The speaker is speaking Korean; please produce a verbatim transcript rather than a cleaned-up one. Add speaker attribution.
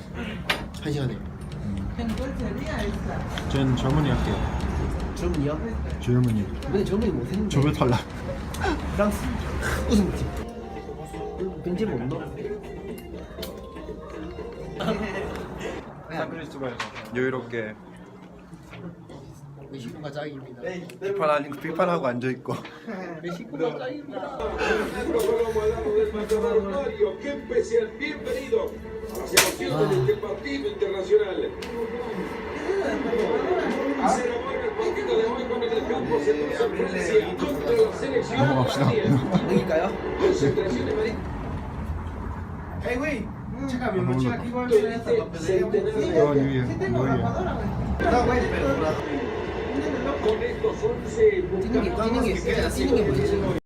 Speaker 1: 한 시간에.
Speaker 2: 전 젊은이 할게요.
Speaker 1: 젊은이요?
Speaker 2: 젊은이.
Speaker 1: 근데 젊은이 못했는데.
Speaker 2: 조별 탈락.
Speaker 1: 프랑스 우승팀. 벤제 못 넣어?
Speaker 2: 샌크리스트바에서 여유롭게
Speaker 1: 메시코가 짱입니다.
Speaker 2: 비판 아닌 비판하고 앉아 있고.
Speaker 1: 메시코가 짱입니다.
Speaker 3: Qué especial, bienvenido a la celebración de este partido internacional. Y se remueve el partido de hoy con el campo centro Francia contra la selección
Speaker 2: 넘어갑시다.
Speaker 1: 여기까요?
Speaker 3: Concentración en Madrid.
Speaker 4: Hey, güey, chécame, mi
Speaker 2: Vamos,
Speaker 4: mochila
Speaker 2: loco.
Speaker 4: aquí va a
Speaker 3: Tú
Speaker 4: ser esta
Speaker 3: dices
Speaker 4: papelería.
Speaker 3: centenares
Speaker 2: No,
Speaker 3: de-
Speaker 2: New Year,
Speaker 4: Sí tengo
Speaker 2: New Year.
Speaker 4: grapadora, güey. No, güey, pero por la...
Speaker 3: Con estos once
Speaker 1: 뛰는 게 뛰는 게 뛰는 게 뭐지?